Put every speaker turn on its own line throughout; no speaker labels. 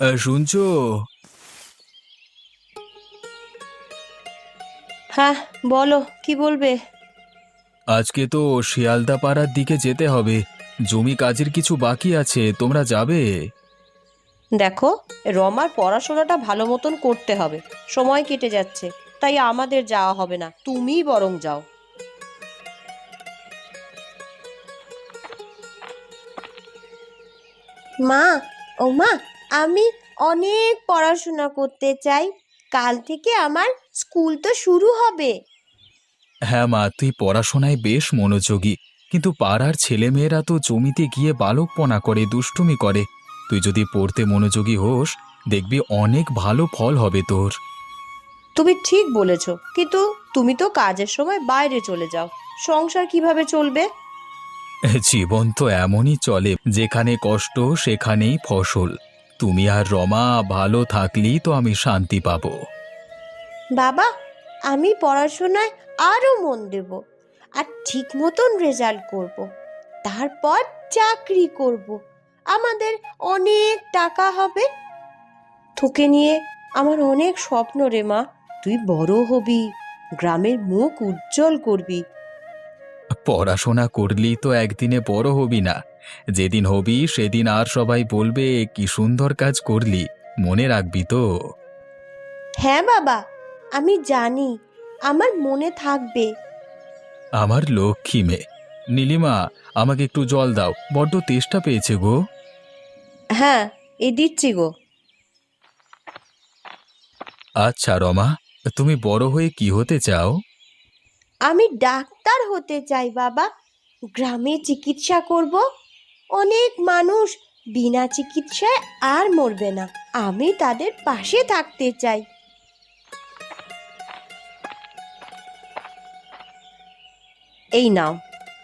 শুনছো?
হ্যাঁ, বলো কি বলবে।
আজকে তো শিয়ালদা পাড়ার দিকে যেতে হবে। জমি কাজের কিছু বাকি আছে, তোমরা যাবে?
দেখো, রমার পড়াশোনাটা ভালো মতন করতে হবে। সময় কেটে যাচ্ছে, তাই আমাদের যাওয়া হবে না, তুমিই বরং যাও। মা, ও মা, আমি অনেক পড়াশোনা করতে চাই। কাল থেকে আমার স্কুল তো শুরু হবে।
হ্যাঁ মা, তুই পড়াশোনায় বেশ মনোযোগী, কিন্তু পাড়ার ছেলেমেয়েরা তো জমিতে গিয়ে বালকপনা করে, দুষ্টুমি করে। তুই যদি পড়তে মনোযোগী হোস, দেখবি অনেক ভালো ফল হবে তোর।
তুমি ঠিক বলেছ, কিন্তু তুমি তো কাজের সময় বাইরে চলে যাও, সংসার কিভাবে চলবে?
জীবন তো এমনই চলে, যেখানে কষ্ট সেখানেই ফসল। তুমি আর রমা ভালো থাকলেই তো আমি শান্তি পাবো।
বাবা, আমি পড়াশোনায় আরো মন দেব, আর ঠিক মতন রেজাল্ট করব। তারপর চাকরি করব, আমাদের অনেক টাকা হবে। তোকে নিয়ে আমার অনেক স্বপ্ন রে মা। তুই বড় হবি, গ্রামের মুখ উজ্জ্বল করবি।
পড়াশোনা করলি তো একদিনে বড় হবি না। যেদিন হবি সেদিন আর সবাই বলবে কি সুন্দর কাজ করলি, মনে রাখবি তো।
হ্যাঁ বাবা, আমি জানি, আমার মনে থাকবে।
আমার লক্ষ্মী মেয়ে। নীলিমা, আমাকে একটু জল দাও, বড্ড তেষ্টা পেয়েছে গো।
হ্যাঁ, এই দিচ্ছি গো।
আচ্ছা রমা, তুমি বড় হয়ে কি হতে চাও?
আমি ডাক্তার হতে চাই বাবা। গ্রামে চিকিৎসা করব, অনেক মানুষ বিনা চিকিৎসায় আর মরবে না। আমি তাদের পাশে থাকতে চাই। এই নাও।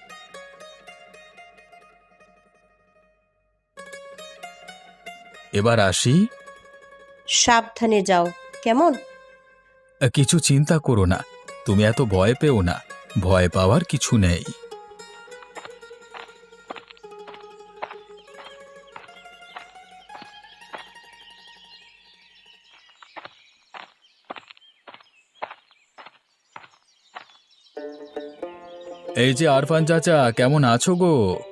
এবার আসি।
সাবধানে যাও, কেমন?
কিছু চিন্তা করো না, তুমি এত ভয় পেও না। ভয় পাওয়ার কিছু নেই। এই যে আরফান চাচা, কেমন আছো গো?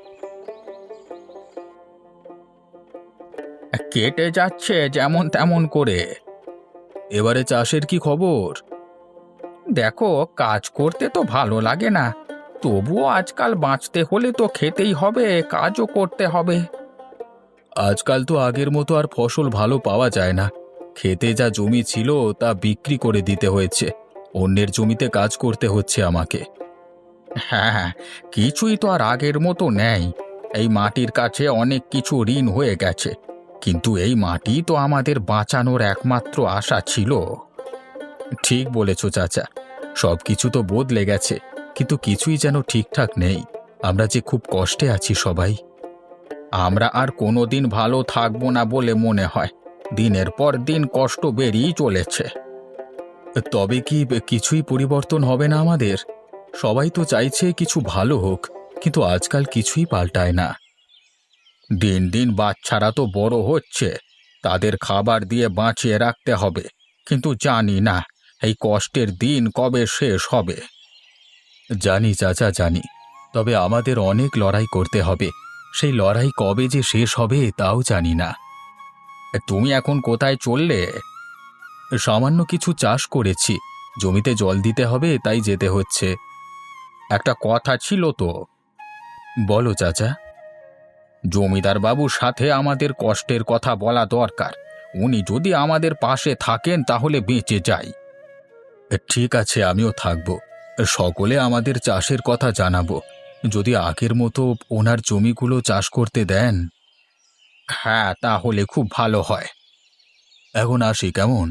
কেটে যাচ্ছে যেমন তেমন করে। এবারে চাষের কি খবর? দেখো, কাজ করতে তো ভালো লাগে না, তবুও আজকাল বাঁচতে হলে তো খেতেই হবে, কাজও করতে হবে। আজকাল তো আগের মতো আর ফসল ভালো পাওয়া যায় না। খেতে যা জমি ছিল তা বিক্রি করে দিতে হয়েছে, অন্যের জমিতে কাজ করতে হচ্ছে আমাকে। হ্যাঁ, কিছুই তো আর আগের মতো নেই। এই মাটির কাছে অনেক কিছু ঋণ হয়ে গেছে, কিন্তু এই মাটি তো আমাদের বাঁচানোর একমাত্র আশা ছিল। ঠিক বলেছ চাচা, সবকিছু তো বদলে গেছে, কিন্তু কিছুই যেন ঠিকঠাক নেই। আমরা যে খুব কষ্টে আছি সবাই। আমরা আর কোনোদিন ভালো থাকবো না বলে মনে হয়। দিনের পর দিন কষ্ট বেড়েই চলেছে। তবে কি কিছুই পরিবর্তন হবে না আমাদের? সবাই তো চাইছে কিছু ভালো হোক, কিন্তু আজকাল কিছুই পাল্টায় না। দিন দিন বাচ্চারা তো বড় হচ্ছে, তাদের খাবার দিয়ে বাঁচিয়ে রাখতে হবে, কিন্তু জানি না এই কষ্টের দিন কবে শেষ হবে। জানি চাচা, জানি, তবে আমাদের অনেক লড়াই করতে হবে। সেই লড়াই কবে যে শেষ হবে তাও জানি না। তুমি এখন কোথায় চললে? সামান্য কিছু চাষ করেছি, জমিতে জল দিতে হবে তাই যেতে হচ্ছে। একটা কথা ছিল তো। বলো চাচা। জমিদার বাবুর সাথে আমাদের কষ্টের কথা বলা দরকার। উনি যদি আমাদের পাশে থাকেন তাহলে বেঁচে যাই। ঠিক আছে, আমিও থাকব। সকলে আমাদের চাষের কথা জানাবো, যদি আগের মতো ওনার জমিগুলো চাষ করতে দেন। হ্যাঁ, তাহলে খুব ভালো হয়। এখন আসি কেমন?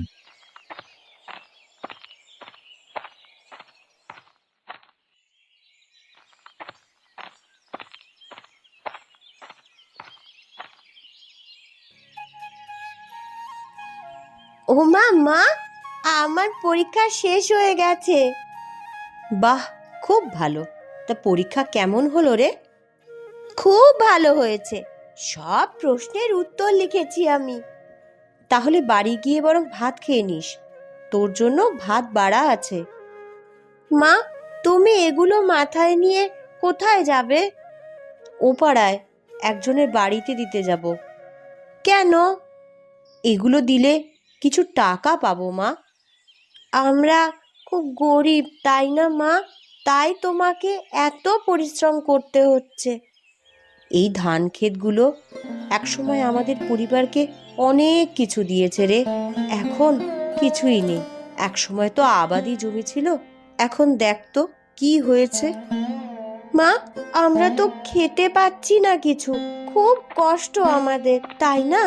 ও মা, মা, আমার পরীক্ষা শেষ হয়ে গেছে। বাহ, খুব ভালো। তা পরীক্ষা কেমন হলো রে? খুব ভালো হয়েছে, সব প্রশ্নের উত্তর লিখেছি আমি। তাহলে বাড়ি গিয়ে বরং ভাত খেয়ে নিস, তোর জন্য ভাত বাড়া আছে। মা, তুমি এগুলো মাথায় নিয়ে কোথায় যাবে? ও পাড়ায় একজনের বাড়িতে দিতে যাব। কেন? এগুলো দিলে কিছু টাকা পাবো মা। আমরা খুব গরিব, তাই না মা? তাই তোমাকে এত পরিশ্রম করতে হচ্ছে। এই ধান ক্ষেতগুলো একসময় আমাদের পরিবারকে অনেক কিছু দিয়েছে রে। এখন কিছুই নেই। একসময় তো আবাদি জমি ছিল, এখন দেখ তো কি হয়েছে। মা, আমরা তো খেতে পাচ্ছি না কিছু, খুব কষ্ট আমাদের, তাই না?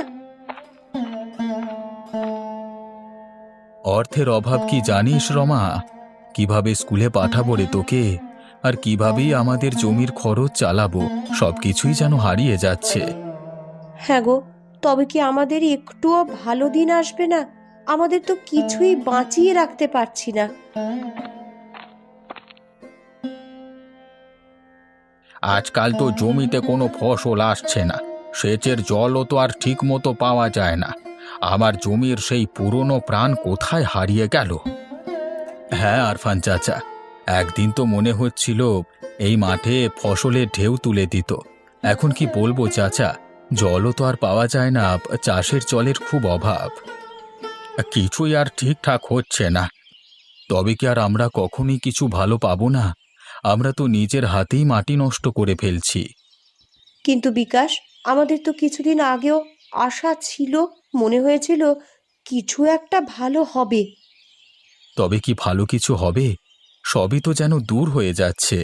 অর্থের অভাব কি জানিস রমা? কিভাবে স্কুলে পাঠাবো রে তোকে, আর কিভাবেই আমাদের জমির খরচ চালাবো, সবকিছুই যেন হারিয়ে যাচ্ছে।
হ্যাঁ গো, তবে কি আমাদের একটুও ভালো দিন আসবে না? আমাদের তো কিছুই বাঁচিয়ে রাখতে পারছি না।
আজকাল তো জমিতে কোনো ফসল আসছে না, সেচের জলও তো আর ঠিক মতো পাওয়া যায় না। আমার জমির সেই পুরনো প্রাণ কোথায় হারিয়ে গেল। হ্যাঁ আরফান চাচা, একদিন তো মনে হচ্ছিল এই মাঠে ফসলের ঢেউ তুলে দিত। এখন কি বলবো চাচা, জলও তো আর পাওয়া যায় না, চাষের জলের খুব অভাব। কিছুই আর ঠিকঠাক হচ্ছে না। তবে কি আর আমরা কখনই কিছু ভালো পাবো না? আমরা তো নিজের হাতেই মাটি নষ্ট করে ফেলছি।
কিন্তু বিকাশ, আমাদের তো কিছুদিন আগেও আশা ছিল, মনে হয়েছিল কিছু একটা ভালো হবে।
তবে কি ভালো কিছু হবে? সবই তো যেন দূর হয়ে যাচ্ছে।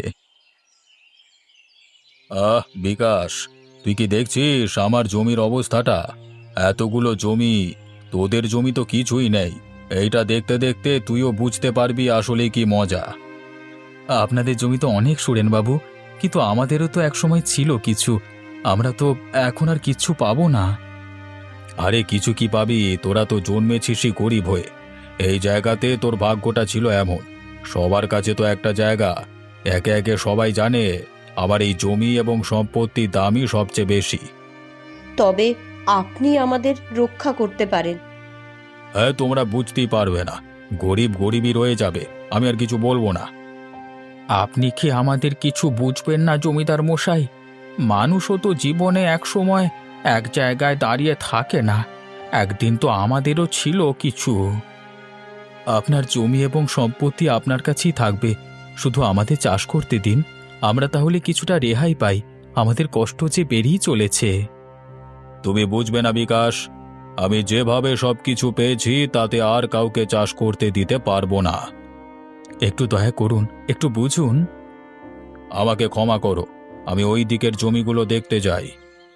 বিকাশ, তুই কি দেখছিস আমার জমির অবস্থাটা? এতগুলো জমি, তোদের জমি তো কিছুই নেই। এইটা দেখতে দেখতে তুইও বুঝতে পারবি আসলে কি মজা। আপনাদের জমি তো অনেক সুরেন বাবু, কিন্তু আমাদেরও তো একসময় ছিল কিছু। আমরা তো এখন আর কিচ্ছু পাবো না। আরে কিছু কি পাবি? তোরা তো জন্মেছিসই গরিব হয়ে। এই জায়গাতে তোর ভাগ্যটা ছিল এমন। সবার কাছে তো একটা জায়গা, একে একে সবাই জানে আবার এই জমি এবং সম্পত্তির দামই সবচেয়ে বেশি।
তবে আপনি আমাদের রক্ষা করতে পারেন।
হ্যাঁ, তোমরা বুঝতেই পারবে না, গরিব গরিবই রয়ে যাবে, আমি আর কিছু বলবো না। আপনি কি আমাদের কিছু বুঝবেন না জমিদার মশাই? মানুষও তো জীবনে এক সময় এক জায়গায় দাঁড়িয়ে থাকে না। একদিন তো আমাদেরও ছিল কিছু। আপনার জমি এবং সম্পত্তি আপনার কাছেই থাকবে, শুধু আমাদের চাষ করতে দিন। আমরা তাহলে কিছুটা রেহাই পাই, আমাদের কষ্ট যে বেড়েই চলেছে। তুমি বুঝবে না বিকাশ, আমি যেভাবে সবকিছু পেয়েছি তাতে আর কাউকে চাষ করতে দিতে পারবো না। একটু দয়া করুন, একটু বুঝুন। আমাকে ক্ষমা করো, আমি ওই দিকের জমিগুলো দেখতে যাই।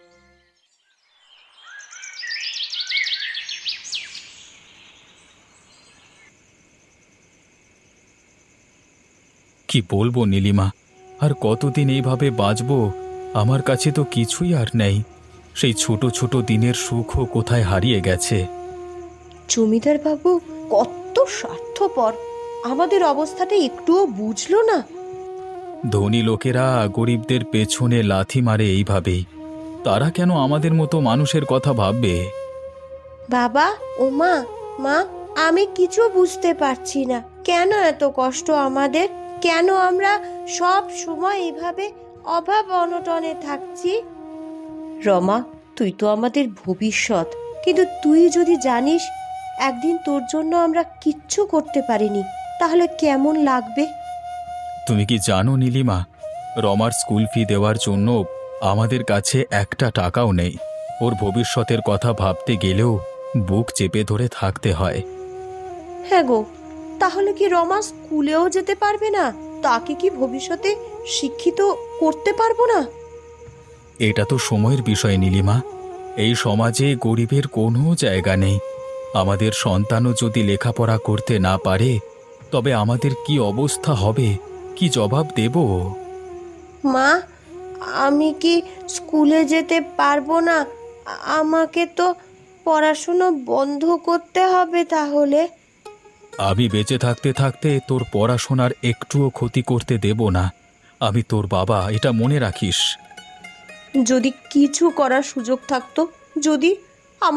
কি বলবো নীলিমা, আর কতদিন এইভাবে বাঁচবো? আমার কাছে তো কিছুই আর নেই। সেই ছোট ছোট দিনের সুখও কোথায় হারিয়ে গেছে।
জমিদার বাবু কত স্বার্থপর, আমাদের অবস্থাটা একটুও বুঝলো না।
ধনী লোকেরা গরিবদের পেছনে লাথি মারে এইভাবেই। তারা কেন আমাদের মতো মানুষের কথা ভাববে?
বাবা ও মা, মা, আমি কিছু বুঝতে পারছি না, কেন এত কষ্ট আমাদের? কেন আমরা সব সময় এভাবে অভাব অনটনে থাকছি? রমা, তুই তো আমাদের ভবিষ্যৎ, কিন্তু তুই যদি জানিস একদিন তোর জন্য আমরা কিচ্ছু করতে পারিনি, তাহলে কেমন লাগবে?
তুমি কি জানো নীলিমা, রমার স্কুল ফি দেওয়ার জন্য আমাদের কাছে একটা টাকাও নেই। ওর ভবিষ্যতের কথা ভাবতে গেলেও বুক চেপে ধরে থাকতে হয়।
হ্যাঁ গো, তাহলে কি রমা স্কুলেও যেতে পারবে না? তাকে কি ভবিষ্যতে শিক্ষিত করতে পারবো না?
এটা তো সময়ের বিষয় নীলিমা। এই সমাজে গরিবের কোনো জায়গা নেই। আমাদের সন্তানও যদি লেখাপড়া করতে না পারে, তবে আমাদের কি অবস্থা হবে, কি জবাব দেব?
মা, আমি কি স্কুলে যেতে পারবো না? আমাকে তো পড়াশুনো বন্ধ করতে হবে তাহলে।
আমি বেঁচে থাকতে থাকতে তোর পড়াশোনার একটুও ক্ষতি করতে দেব না। আমি তোর বাবা, এটা মনে রাখিস।
যদি কিছু করার সুযোগ থাকতো, যদি আমাদের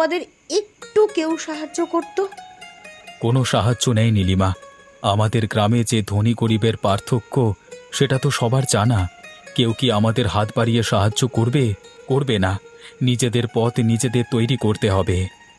একটু কেউ সাহায্য করত।
কোনো সাহায্য নেই নীলিমা। আমাদের গ্রামে যে ধনী গরিবের পার্থক্য সেটা তো সবার জানা। কেউ কি আমাদের হাত বাড়িয়ে সাহায্য করবে? করবে না। নিজেদের পথ নিজেদের তৈরি করতে হবে।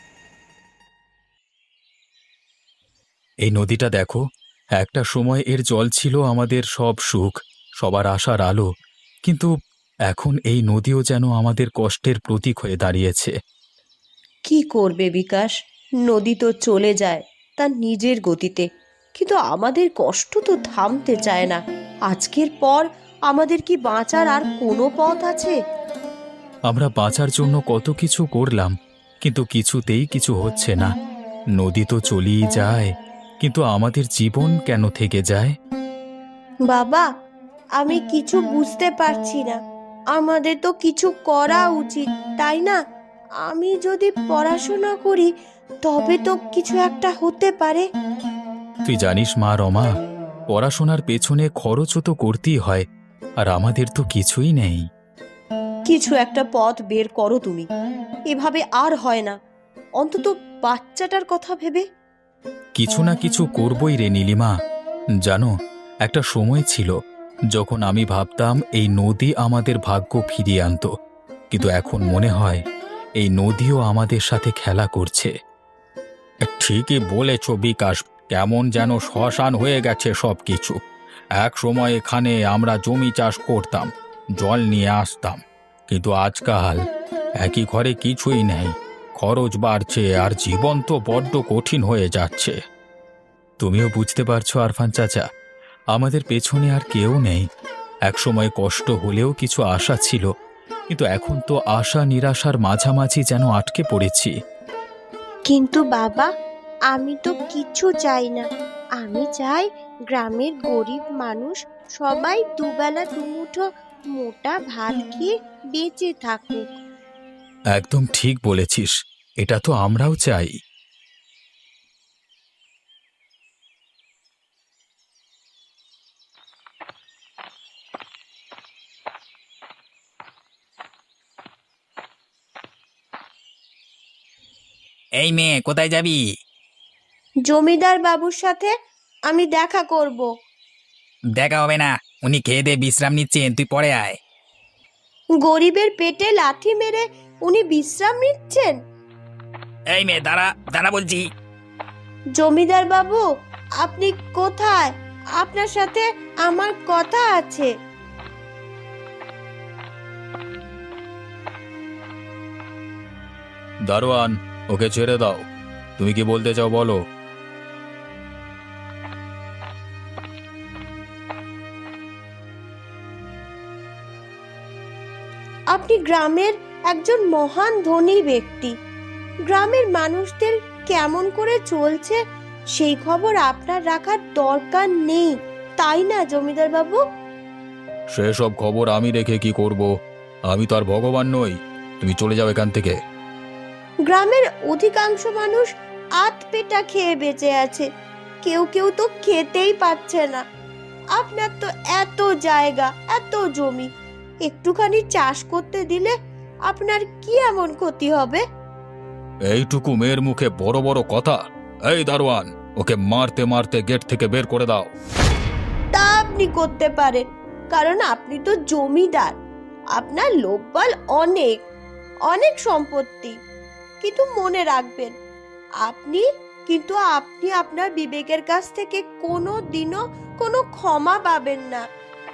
এই নদীটা দেখো, একটা সময় এর জল ছিল আমাদের সব সুখ, সবার আশার আলো। কিন্তু এখন এই নদীও যেন আমাদের কষ্টের প্রতীক হয়ে দাঁড়িয়েছে।
কি করবে বিকাশ, নদী তো চলে যায় তার নিজের গতিতে, কিন্তু আমাদের কষ্ট তো থামতে চায় না। আজকের পর আমাদের কি বাঁচার আর কোনো পথ আছে?
আমরা বাঁচার জন্য কত কিছু করলাম, কিন্তু কিছুতেই কিছু হচ্ছে না। নদী তো চলেই যায়, কিন্তু আমাদের জীবন কেন থেকে যায়?
বাবা, আমি কিছু বুঝতে পারছি না। আমাদের তো কিছু করা উচিত, তাই না? আমি যদি পড়াশোনা করি তবে তো কিছু একটা হতে পারে।
তুই জানিস মা রমা, পড়াশোনার পেছনে খরচও তো করতেই হয়, আর আমাদের তো কিছুই নেই।
কিছু একটা পথ বের করো তুমি। এভাবে আর হয় না, অন্তত বাচ্চাটার কথা ভেবে।
কিছু না কিছু করবই রে নীলিমা। জানো, একটা সময় ছিল যখন আমি ভাবতাম এই নদী আমাদের ভাগ্য ফিরিয়ে আনতো, কিন্তু এখন মনে হয় এই নদীও আমাদের সাথে খেলা করছে। ঠিকই বলেছ বিকাশ, কেমন যেন শ্মশান হয়ে গেছে সব কিছু। এক সময় এখানে আমরা জমি চাষ করতাম, জল নিয়ে আসতাম, কিন্তু আজকাল একই ঘরে কিছুই নেই। খরচ বাড়ছে আর জীবন তো বড্ড কঠিন হয়ে যাচ্ছে। তুমিও বুঝতে পারছো আরফান চাচা, আমাদের পেছনে আর কেউ নেই। একসময় কষ্ট হলেও কিছু আশা ছিল, কিন্তু এখন তো আশা নিরাশার মাঝামাঝি যেন আটকে পড়েছি।
কিন্তু বাবা, আমি তো কিছু চাই না। আমি চাই গ্রামের গরিব মানুষ সবাই দুবেলা দুমুঠো মোটা ভাত খেয়ে বেঁচে থাকুক।
একদম ঠিক বলেছিস, এটা তো আমরাও চাই।
এই মেয়ে, কোথায় যাবি?
জমিদার বাবুর সাথে আমি দেখা করব।
দেখা হবে না, উনি খেয়ে দিয়ে বিশ্রাম নিচ্ছেন, তুই পরে আয়।
গরিবের পেটে লাথি মেরে উনি বিশ্রাম নিচ্ছেন?
এই মেয়ে, দাঁড়া দাঁড়া বলছি।
জমিদার বাবু, আপনি কোথায়? আপনার সাথে আমার কথা আছে।
দারোয়ান, ওকে ছেড়ে দাও। তুমি কি বলতে চাও বলো।
আপনি গ্রামের একজন মহান ধনী ব্যক্তি। গ্রামের মানুষদের কেমন করে চলছে সেই খবর আপনার রাখার দরকার নেই, তাই না জমিদার বাবু?
সেসব খবর আমি রেখে কি করব? আমি তো আর ভগবান নই। তুমি চলে যাও এখান থেকে।
গ্রামের অধিকাংশ মানুষ আধ পেটা খেয়ে বেঁচে আছে, কেউ কেউ তো খেতেই পাচ্ছে না। আপনার তো এত জায়গা, এত জমি, একটুখানি চাষ করতে দিলে আপনার কি এমন ক্ষতি হবে?
এইটুকু মেয়ের মুখে বড় বড় কথা! এই দারোয়ান, ওকে মারতে মারতে গেট থেকে বের করে দাও।
তা আপনি করতে পারেন, কারণ আপনি তো জমিদার। আপনার লোকবল অনেক, অনেক সম্পত্তি। কিন্তু মনে রাখবেন, আপনি আপনার বিবেকের কাছ থেকে কোনো দিনও কোনো ক্ষমা পাবেন না।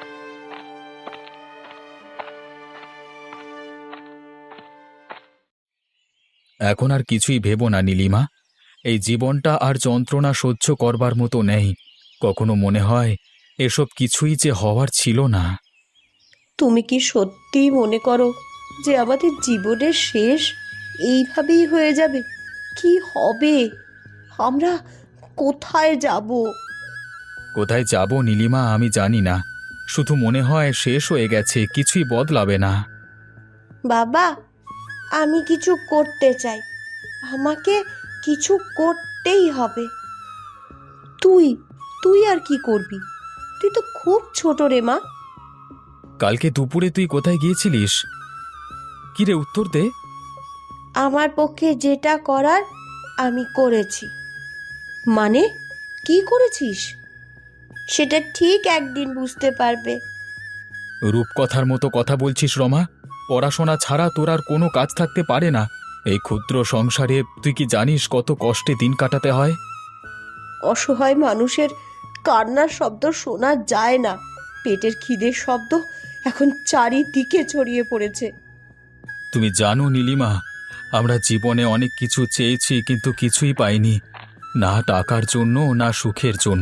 এখন আর কিছুই ভেবো না নীলিমা। এই জীবনটা আর যন্ত্রণা সহ্য করবার মতো নেই। কখনো মনে হয় এসব কিছুই যে হওয়ার ছিল না।
তুমি কি সত্যিই মনে করো যে আমাদের জীবনের শেষ এইভাবেই হয়ে যাবে? কি হবে? আমরা কোথায় যাব?
কোথায় যাব নীলিমা আমি জানি না, শুধু মনে হয় শেষ হয়ে গেছে, কিছুই বদলাবে না।
বাবা, আমি কিছু করতে চাই। আমাকে কিছু করতেই হবে। তুই তুই আর কি করবি? তুই তো খুব ছোট রে মা।
কালকে দুপুরে তুই কোথায় গিয়েছিলিস? কি রে, উত্তর দে।
আমার পক্ষে যেটা করার আমি করেছি। মানে কি করেছিস সেটা ঠিক একদিন বুঝতে পারবে।
রূপকথার মতো কথা বলছিস রমা। পড়াশোনা ছাড়া তোর আর কোনো কাজ থাকতে পারে না। এই ক্ষুদ্র সংসারে তুই কি জানিস কত কষ্টে দিন কাটাতে হয়?
অসহায় মানুষের কান্নার শব্দ শোনা যায় না, পেটের খিদের শব্দ এখন চারিদিকে ছড়িয়ে পড়েছে।
তুমি জানো নীলিমা, আমরা জীবনে অনেক কিছু চেয়েছি কিন্তু কিছুই পাইনি, না টাকার জন্য না সুখের জন্য।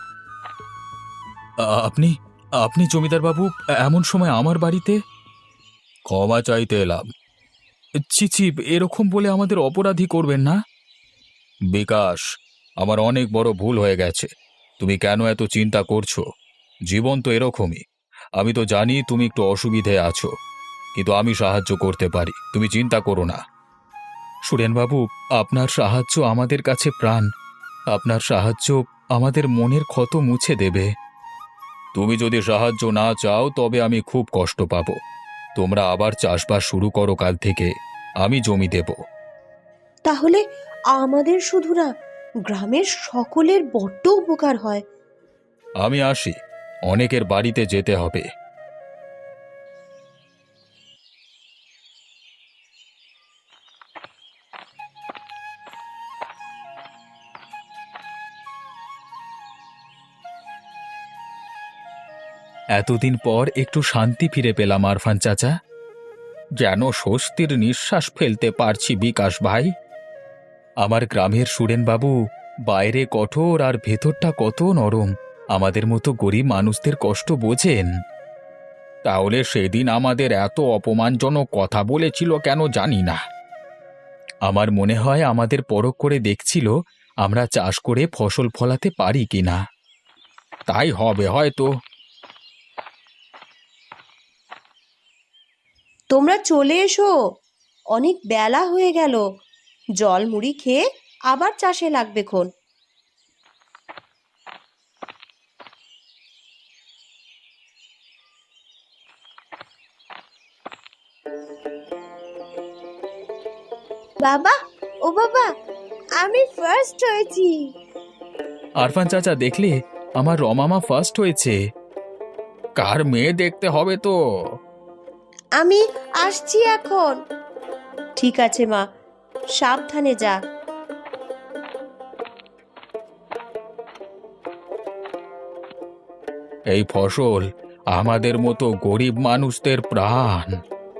আপনি আপনি জমিদার বাবু এমন সময় আমার বাড়িতে? ক্ষমা চাইতে এলাম। ছি, এরকম বলে আমাদের অপরাধী করবেন না। বিকাশ, আমার অনেক বড় ভুল হয়ে গেছে। তুমি কেন এত চিন্তা করছো? জীবন তো এরকমই। আমি তো জানি তুমি একটু অসুবিধায় আছো, কিন্তু আমি সাহায্য করতে পারি, তুমি চিন্তা করো না। সুরেনবাবু, আপনার সাহায্য আমাদের কাছে প্রাণ। আপনার সাহায্য আমাদের মনের ক্ষত মুছে দেবে। তুমি যদি সাহায্য না চাও তবে আমি খুব কষ্ট পাবো। তোমরা আবার চাষবাস শুরু করো কাল থেকে, আমি জমি দেব।
তাহলে আমাদের শুধু না, গ্রামের সকলের বড্ড উপকার হয়।
আমি আসি, অনেকের বাড়িতে যেতে হবে। এতদিন পর একটু শান্তি ফিরে পেলাম আরফান চাচা। যেন স্বস্তির নিঃশ্বাস ফেলতে পারছি বিকাশ ভাই। আমার গ্রামের সুরেনবাবু বাইরে কঠোর আর ভেতরটা কত নরম। আমাদের মতো গরিব মানুষদের কষ্ট বোঝেন। তাহলে সেদিন আমাদের এত অপমানজনক কথা বলেছিল কেন জানি না। আমার মনে হয় আমাদের পরখ করে দেখছিল আমরা চাষ করে ফসল ফলাতে পারি কিনা। তাই হবে হয়তো।
তোমরা চলে এসো, অনেক বেলা হয়ে গেল। জল মুড়ি খেয়ে আবার চাষে লাগবে খন। বাবা, ও বাবা, আমি ফার্স্ট হয়েছি।
আরফান চাচা, দেখলে আমার রমামা ফার্স্ট হয়েছে। কার মেয়ে দেখতে হবে তো।
আমি আসছি এখন। ঠিক আছে মা, সাবধানে যা।
এই ফসল আমাদের মতো গরিব মানুষদের প্রাণ।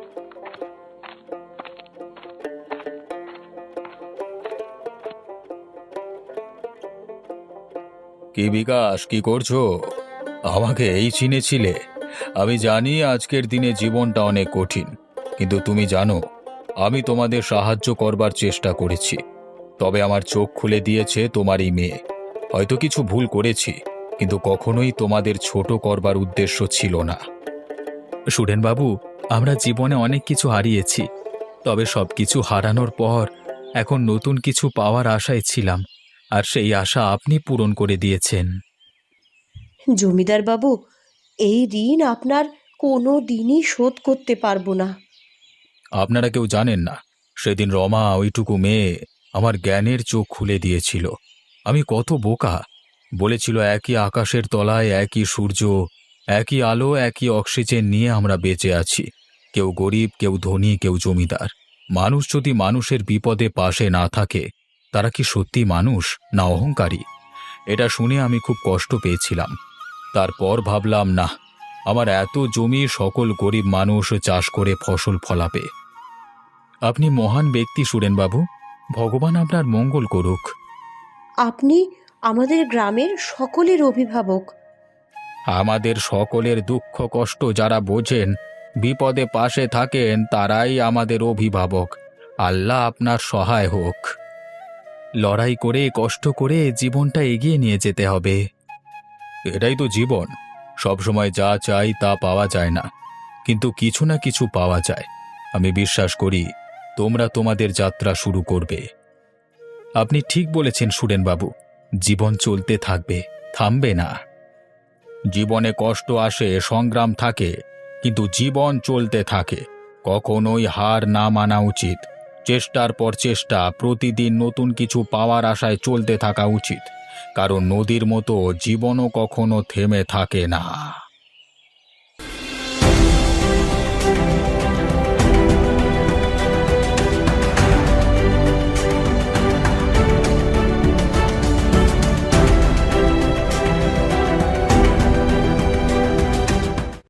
কি বিকাশ, কি করছো? আমাকে এই চিনেছিলে? আমি জানি আজকের দিনে জীবনটা অনেক কঠিন, কিন্তু তুমি জানো আমি তোমাদের সাহায্য করবার চেষ্টা করেছি। তবে আমার চোখ খুলে দিয়েছে তোমারই মেয়ে। হয়তো কিছু ভুল করেছি, কিন্তু কখনোই তোমাদের ছোট করবার উদ্দেশ্য ছিল না। সুরেনবাবু, আমরা জীবনে অনেক কিছু হারিয়েছি, তবে সবকিছু হারানোর পর এখন নতুন কিছু পাওয়ার আশায় ছিলাম, আর সেই আশা আপনি পূরণ করে দিয়েছেন।
জমিদার বাবু, এই ঋণ আপনার কোনো দিনই শোধ করতে পারবো না।
আপনারা কেউ জানেন না, সেদিন রমা, ওইটুকু মেয়ে, আমার জ্ঞানের চোখ খুলে দিয়েছিল। আমি কত বোকা। বলেছিল একই আকাশের তলায় একই সূর্য, একই আলো, একই অক্সিজেন নিয়ে আমরা বেঁচে আছি। কেউ গরিব, কেউ ধনী, কেউ জমিদার। মানুষ যদি মানুষের বিপদে পাশে না থাকে, তারা কি সত্যি মানুষ না অহংকারী? এটা শুনে আমি খুব কষ্ট পেয়েছিলাম। তারপর ভাবলাম, না, আমার এত জমি, সকল গরিব মানুষ চাষ করে ফসল ফলাবে। আপনি মহান ব্যক্তি সুরেনবাবু, ভগবান আপনার মঙ্গল করুক।
আপনি আমাদের গ্রামের সকলের অভিভাবক।
আমাদের সকলের দুঃখ কষ্ট যারা বোঝেন, বিপদে পাশে থাকেন, তারাই আমাদের অভিভাবক। আল্লাহ আপনার সহায় হোক। লড়াই করে, কষ্ট করে জীবনটা এগিয়ে নিয়ে যেতে হবে। এটাই তো জীবন। সবসময় যা চাই তা পাওয়া যায় না, কিন্তু কিছু না কিছু পাওয়া যায়। আমি বিশ্বাস করি তোমরা তোমাদের যাত্রা শুরু করবে। আপনি ঠিক বলেছেন সুরেনবাবু, জীবন চলতে থাকবে, থামবে না। জীবনে কষ্ট আসে, সংগ্রাম থাকে, কিন্তু জীবন চলতে থাকে। কখনোই হার না মানা উচিত। চেষ্টার পর চেষ্টা, প্রতিদিন নতুন কিছু পাওয়ার আশায় চলতে থাকা উচিত, কারণ নদীর মতো জীবনও কখনো থেমে থাকে না।